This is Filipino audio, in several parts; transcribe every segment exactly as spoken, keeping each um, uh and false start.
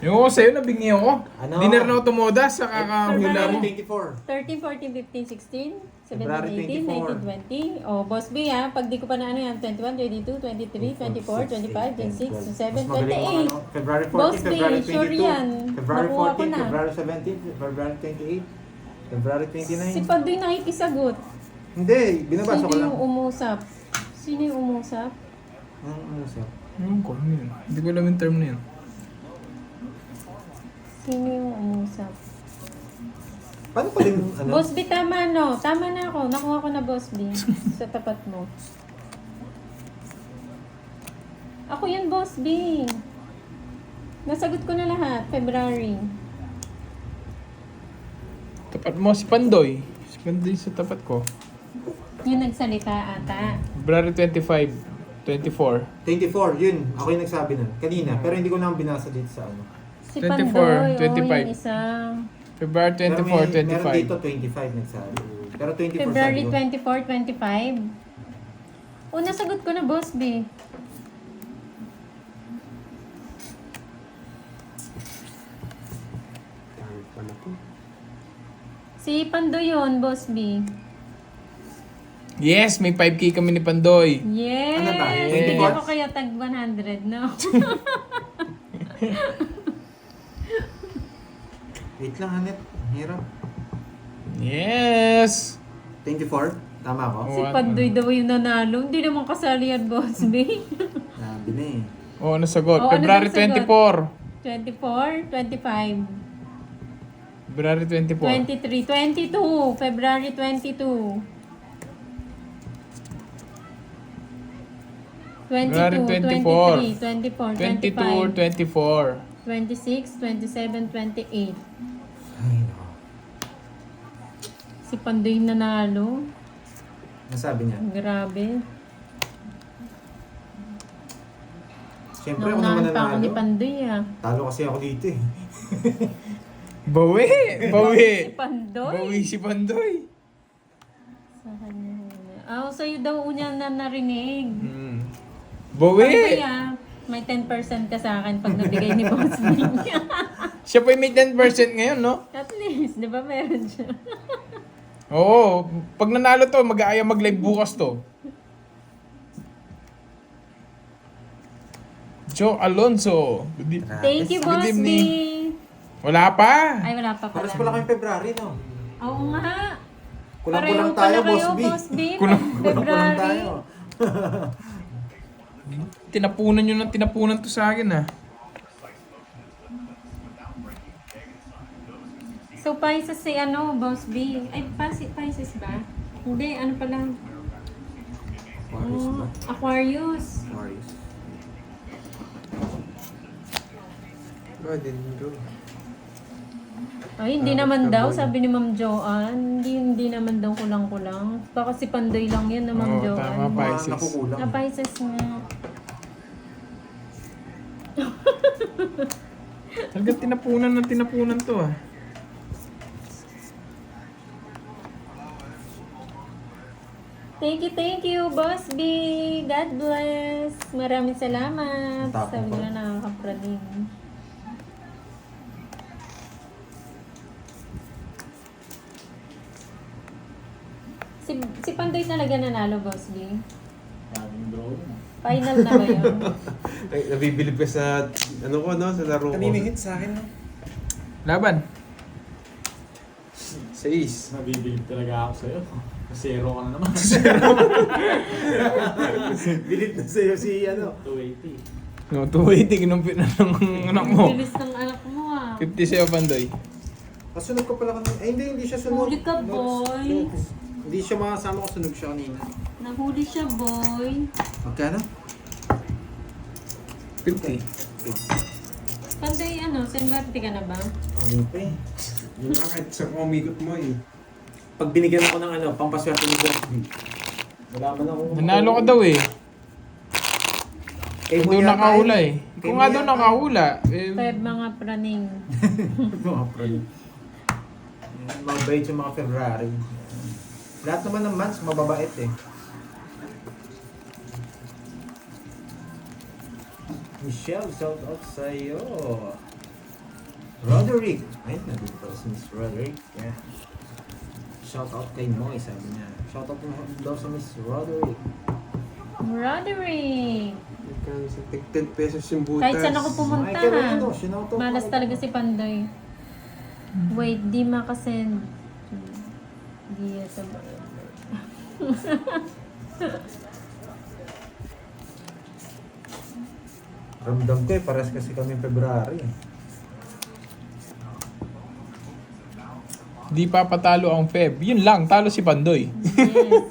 Yung ako sa'yo, nabingi ako. Ano? Dinner na ako tumoda sa kakahula mo. twenty-four. thirteen, fourteen, fifteen, sixteen, February seventeen, eighteen, nineteen, twenty. Oh, Boss B ha, pag di ko pa na ano yan, twenty-one, twenty-two, twenty-three, twenty-four, twenty-five, twenty-six, twenty-seven, Mas magaling twenty-eight. yung ano, February Boss fourteen, B, February sure twenty-two, yan. February Nakuha ko fourteen, na. February seventeen, February twenty-eight, February twenty-nine. Si Pandoy nakikisagot. Hindi, binabasa Sino ko lang. yung umusap? Sino yung umusap? Ang ano sir? Ano ko, ano yun? Hindi ko alam yung term na yun. Sino yung umusap? Paano pa rin, ano? Boss B, tama no. Tama na ako. Nakuha ko na Boss B. Sa tapat mo. Ako yan, Boss B. Nasagot ko na lahat. February. Tapat mo si Pandoy. Si Pandoy sa tapat ko. Yung nagsalita ata. February twenty-five, twenty-four. twenty-four, yun. Ako yung nagsabi nun. Kanina. Pero hindi ko lang binasa dito sa ano. Si twenty-four, Pandoy. twenty-five. Oh, yung isa. February twenty-four, Pero may- Meron twenty-five. dito twenty-five nagsabi. Pero twenty-four February sabi ko. twenty-four, twenty-five. O, nasagot ko na, Boss B. Si Pandoy yun, Boss B. Yes, may five K kami ni Pandoy. Yes! Ano ba? Hindi Yes. ako kaya tag one hundred, no? Wait lang, Hanet. Ang hirap. Yes! twenty-four? Tama ako? Si Pandoy daw yung nanalo. Hindi naman kasali yan, Boss B. Sabi na eh. Oo, oh, nasagot. Oo, ano February bang sagot? twenty-four. twenty-four, twenty-five, February twenty-four. twenty-three, twenty-two, February twenty-two. February twenty-two, twenty-four. twenty-three, twenty-four, twenty-two, twenty-five, twenty-four. twenty-six, twenty-seven, twenty-eight. Ay, nako. Si Pandoy nanalo. Nasabi niya. Grabe. Siyempre ako naman Naunahan pa ako ni nanalo. Pandoy ah. Talo kasi ako dito eh. Bawi! Bawi! Si Pandoy. Bawi si Pandoy. Sa kanya. Ah, oh, sa'yo daw unya na narinig. Hmm. Pandoy Bawi! ah. May ten percent ka sa akin pag nabigay ni Boss Nick. Siya pa yung may ten percent ngayon, no? At least, di ba meron siya? Oo. Pag nanalo to, mag-aaya mag-live bukas to. Joe Alonso. Good e- Thank you, Good Boss B. evening. Wala pa. Ay, wala pa pala. Paras pala kayong February, no? Oo nga. Kulang-kulang Pareho tayo, pala Boss kayo, B. Boss B. Kulang- Kulang-kulang February. tayo. Tinapunan nyo ng tinapunan to sa akin, ah. So, Pisces si ano, Boss B. Ay, Pisces, Pisces ba? Hindi, ano pala? Aquarius ba? Oh, Aquarius. Aquarius. Ba, din bro. Ay, hindi naman daw, sabi ni Ma'am Joanne. Hindi, hindi naman daw kulang-kulang. Baka si Pandoy lang yan na Ma'am Oo, Joanne. tama, Mga Pisces. nakukulang. Na Pisces nga. Talagang tinapunan ng tinapunan to, ah. Thank you, thank you, Boss B. God bless. Maraming salamat. Tapos Sabi pa. nila nakakapraning. Si, si Pandoy talaga nanalo, Boss B. Final na ba yun? Ay, nabibilib ka sa, ano ko, no? Sa laro ko. Kanina hit sa akin, no? Laban. Sa Ace. Nabibilib talaga ako sa'yo. Zero ka na naman. Bilib na sa'yo si ano. two eighty. No, two eighty, kinumpit na ng anak mo. Bilis ng anak mo ah. fifty sa'yo, Pandoy. Kasunod ko pala kanina. Ay, hindi, hindi siya sunod. Huli ka, boy. Hindi siya makasama ko, sunog siya kanina. Nahuli siya, boy. Magkano? fifty. Pandoy, ano, sembarte ka na ba? Ano pa eh. Yung bakit sa kumikot mo eh. Pag binigyan ako ng ano, pampaswerte ni Boss B. Wala man ako. Nanalo ka daw, eh. Eh, Doon nakahula, eh. Kung nga doon nakahula, eh. Five mga praning. Mga pro. Mabait yung mga February. Lahat naman ng months, mababait eh. Michelle, shout out sa'yo. Roderick. Ayun, nandito pala si Miss Roderick. Yeah. Shout out kay Moy, sabi niya. Shout out mo daw sa Miss Roderick. Roderick! Nagkano sa tig ten pesos yung butas. Kahit saan ako pumunta Michael ha. Reno, sinauto ko. Malas talaga si Pandoy. Wait, di makasend. Di ito ba? Ramdam ko eh, pares kasi kami February. Di pa patalo ang Feb. Yun lang, talo si Pandoy. Yes.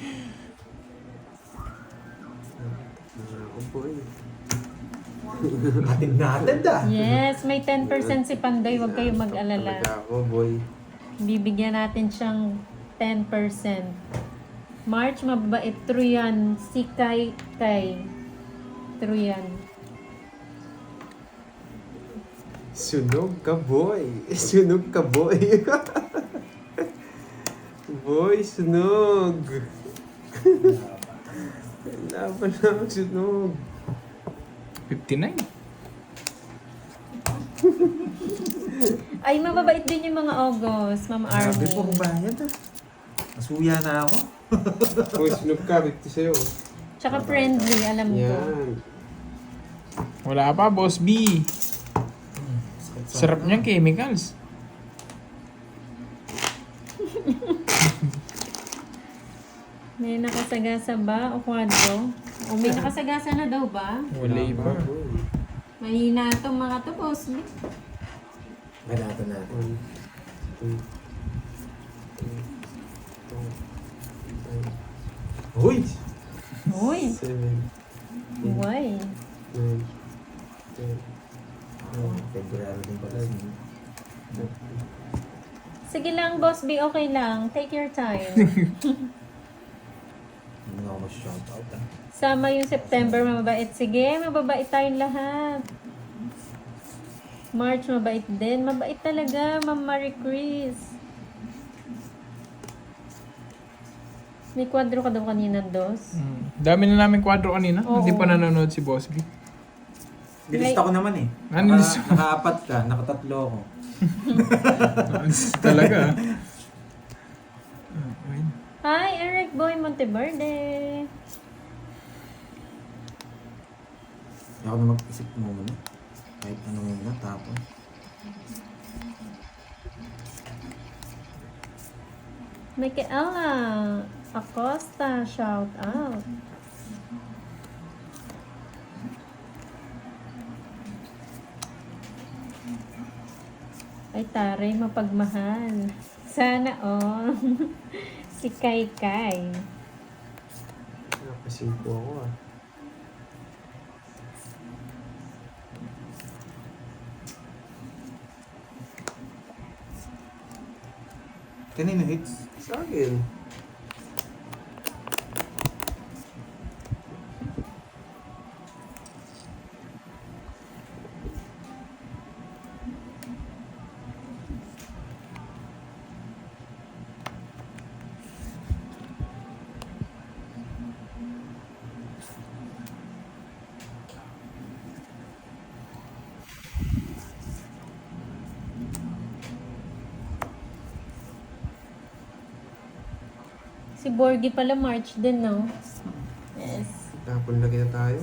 Ako po eh. Atin natin da. Yes, may ten percent si Pandoy. Huwag kayong mag-alala. Talaga ako, boy. Bibigyan natin siyang ten percent. March, mababait. True yan. Si Kai Kai. True yan. Sunog ka, boy. Sunog ka, boy. Boy, sunog. Laban lang, sunog. fifty-nine. Ay, mababait din yung mga August, Ma'am Sabi Army. po kung bayad ah. Masuya na ako. Boy, sunog ka. fifty sa'yo. Tsaka friendly, alam ko. Yan. Wala pa, Boss B. Sarap niyang chemicals. May nakasagasa ba o kwadro? O may nakasagasa na daw ba? Wala pa. boy. Mahina itong mga to, boss. Ganito natin. One, two, three, four, five, Uy! Uy, seven, why? nine, ten, Oh, February din pala. Sige lang, boss B, okay lang. Take your time. Hindi na ako shout out ah. Sama yung September, mababait. Sige, mababait tayong lahat. March, mabait din. Mabait talaga, Ma'am Marie Chris. May kwadro ka daw kanina, dos. Mm. Dami na namin kwadro kanina. Oo. Hindi pa nanonood si Boss B. Nilista ko naman eh. Ano Naka, nilista? nakaapat ka, nakatatlo ako. Talaga. Ah, wait. Hi, Eric Boy Monteverde. Hindi ako na mag-isip muna. Kahit ano muna, tapos. Michaela Acosta, shout out. Ay, taray, mapagmahal. Sana all. Si Kai Kai. Nakasimpo ako ah. Kanino hits? Sa akin. Si Borgie pala March din, no? Yes. Tapon laki na tayo.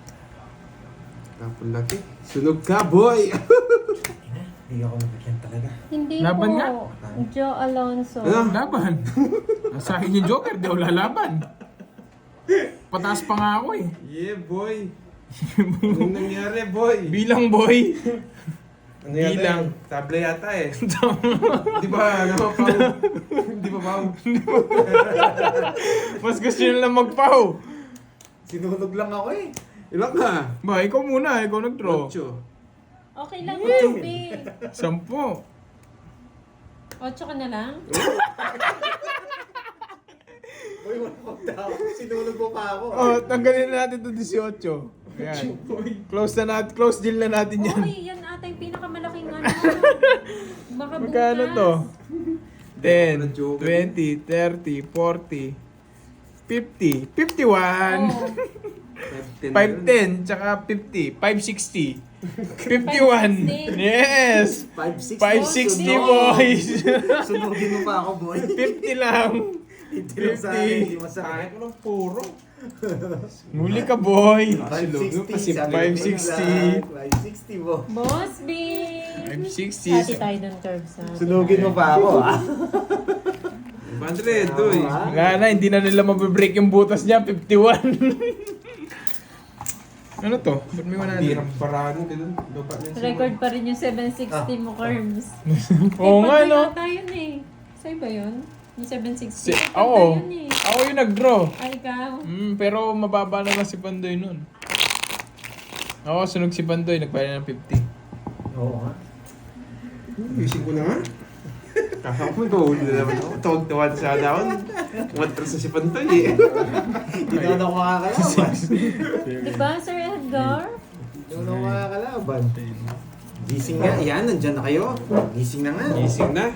Tapon laki. Sunog ka, boy! Hindi ako nabigyan talaga. Hindi Laban po. nga. Joe Alonso. Ano? Laban. Sa akin yung Joker, di ako lalaban. Pataas pa nga ako eh. Yeah, boy! Anong nangyari, boy? Bilang boy. Ano yata Bilang. yun? Table yata eh. Di ba, ano, pao? Di ba, pao? Mas gusto nyo lang magpaw. Sinunog lang ako eh. Ilan ka? Ba, ikaw muna. Ikaw nag-draw. Ocho. Okay lang, Boss B. Sampo. Ocho ka na lang? Uy, wala ko tao. Sinunog mo pa ako. Oh, tanggalin na natin to eighteen. Ayan. Close na natin. Close deal na natin yan. Okay, yan ata yung pinakamalaking ano. Baka bukas. Magkano to? ten, Joker. twenty, thirty, forty, fifty, fifty-one, Oh. five ten. five ten, tsaka fifty, five sixty. fifty-one. Yes. five sixty. five sixty, Sunod. boys. Sunugin mo pa ako, boy. fifty lang. Hindi lang sa akin, hindi mo sa akin. Kahit walang puro. Muli ka, boy. five sixty. five sixty. five sixty, boy. Boss B! five sixty. Hati tayo dun, Curbs. ha? Sunugin mo pa ako, ah. five hundred, doy. Ah. Wala na, hindi na nila mabibreak yung butas niya. fifty-one. Ano to? Ba't may one hundred? Hirap paraan, ganun. Lupa na yung Record pa rin yung seven sixty mo, Curbs. Oo nga, no? Pati yata yun eh. Sa'yo ba yun? Yung seven sixty? Si, Pati ako. yun eh. Ako yung nag-draw. Ay, ikaw. Mm, pero mababa na lang si Pandoy nun. Oo, sunog si Pandoy. Nagbayad ng fifty. Oo, nga. Isip ko na nga. Kaka ko, ikaw na naman ako. Tawag-tawag sa daon. Umatras sa si Pantoy eh. Hindi naman ako makakalaban. Diba, Sir Edgar? Hindi naman ako makakalaban. Gising nga. Yan, nandyan na kayo. Gising na nga. Gising na.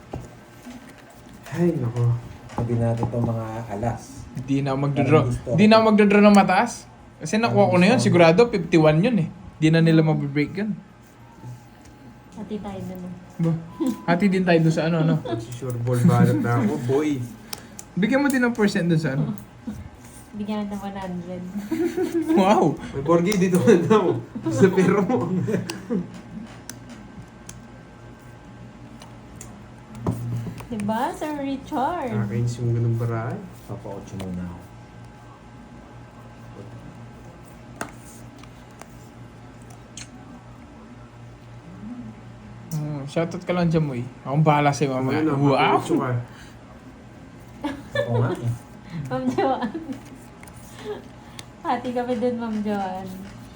Ay, nako. Sabi natin itong mga alas. Hindi na ako magdodraw. Hindi na ako magdodraw ng mataas. Kasi nakuha ko na yun. Sigurado fifty-one yun eh. Hindi na nila mabibreak yun. Hati tayo dun. ah. Ba? Hati din tayo doon sa ano, ano. Sure ball balat na ako, boy. Bigyan mo din ng percent doon sa ano. Bigyan natin ng one hundred. Wow! May Borgie dito na daw. Sa pero mo. Diba, Sir Richard? Nakakainis yung ganung paraan. Papa-ocho muna ako. Hmm, shoutout ka lang dyan mo eh. Akong bahala sa'yo mamaya. Ano, Wow! mapaputso ka. Oo nga eh. Ma'am Joanne. Hati kami dun, Ma'am Joanne.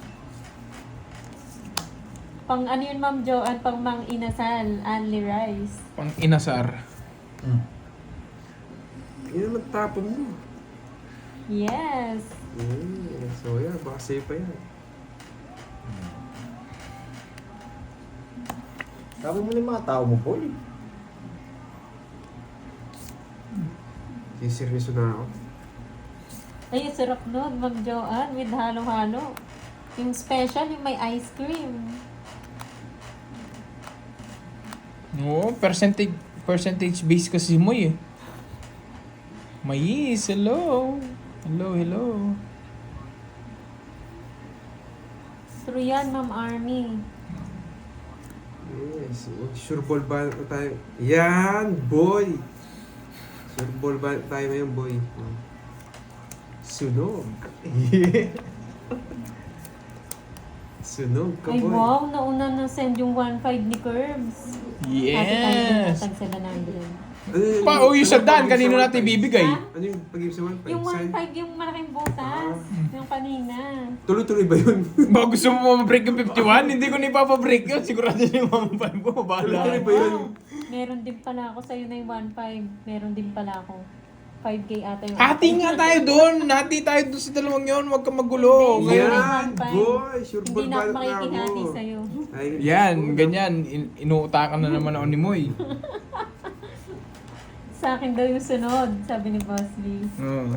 Pang ano yun, Ma'am Joanne? Pang mang inasal, only rice. Pang inasar. Hmm. Yan naman tapon mo. Yes. Eh, so yan, baka safe pa yan. Sabi mo na yung mga tao mo, boy. Siseryoso na ako. Ay, sarap nun, Ma'am Joanne, with halo-halo. Yung special, yung may ice cream. Oo, percentage, percentage base kasi mo eh. Mais, hello. Hello, hello. True yan, Ma'am Army. Yes, sure ball ba tayo? Yan, boy! Sure ball ba tayo ngayon, boy? Sunog. Sunog ka, Ay, boy. wow, nauna na send yung one five ni Curbs. Yes! Hati tayo dun, natag seven hundred. Ano yun? Pa, oh, yung sa Ano Dan, pag-ibig kanino sa natin one five? ibibigay? Ha? Ano yung pag-ibig sa one five? Yung one Saan? five, yung malaking butas. Yung kanina. Tuloy-tuloy ba yun? Baka gusto mo mabreak yung fifty-one? Hindi ko na ipapabreak yun. Sigurado na yung one five ko. Bahala. Tuloy-tuloy ba yun? Meron din pala ako sa'yo na yung one five. Meron din pala ako. five K ata yung... Hati nga tayo doon. Hati tayo doon sa dalawang yun. Huwag ka magulo. Hindi. Ngayon, Yan, boy! Sure ball Hindi na ba ako na makikihati ako? sa'yo. Ay, yan, ganyan. In- inuutakan na naman ako ni Moy. Sa akin daw yung sunod, sabi ni Boss B. Oo.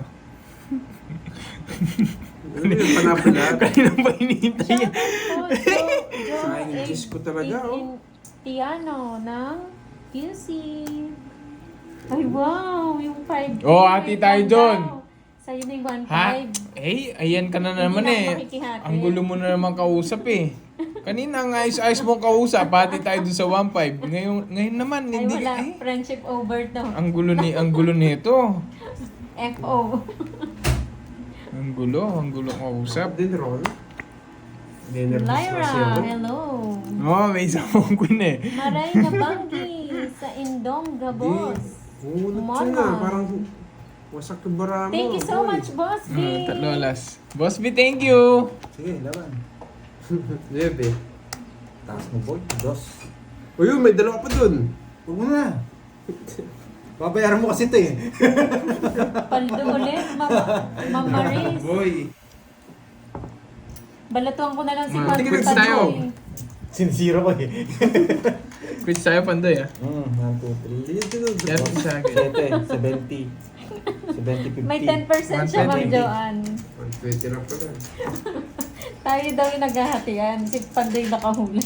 Ano yun? Panapala? Kanina ba hinihintay niya? Shoutout po, Jo, Jo, Sayang yung Diyos ko talaga, in- oh. in- Tiano ng Q C. Ay, wow! Yung five K. Oh, hati tayo Ganda. dun. Sa'yo na yung one Ha? five. Eh, ayan ka na Hindi naman na ako eh. makikihati. Ang gulo mo na naman kausap eh. Kanina ang ayos-ayos mong kausap, pati tayo doon sa one five. Ngayon, ngayon naman, Ay, hindi wala. eh. Friendship over to. Ang gulo ni ang gulo nito. F O. Ang gulo, ang gulo kausap. Din Ron? Dinner Lyra, hello. Oh, may isang mong queen eh. Maray na Banggi sa Indong Gabos. Umunot Umano. ka na. Parang wasak yung bara mo. Thank you so boy. much, Boss B. Hmm, tatlo alas. Boss B, thank you. Sige, laban. Nuebe. Taas mo, boy. Dos. O yun, may dalawa pa dun. Huwag mo na. Babayaran mo kasi ito eh. Paldo ulit, Ma'am Ma'am Maris. Boy. Balatuan ko na lang si Ah, Ma'am tingin Paldo tayo. eh. Sinisira ko eh. Quit tayo, Pandoy ah. Hmm, one, two, three. Sige, sunod. Yan sa akin. Sete, seventy. seventy, fifty. May ten percent siya, Ma'am one twenty. Joanne. one twenty lang pala. Tayo daw yung naghahatian. Si Pandoy nakahula.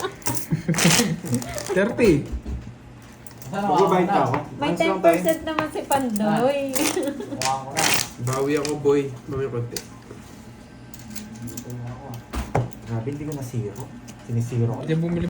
thirty. Magbabayad pa ako. May Ayos ten lang tayo. percent naman si Pandoy. Mukha ko na. Bawi ako, boy. Mamaya konti. Dito na ako ah. Grabe, hindi ko na zero. Sinisiro ko. Hindi bumili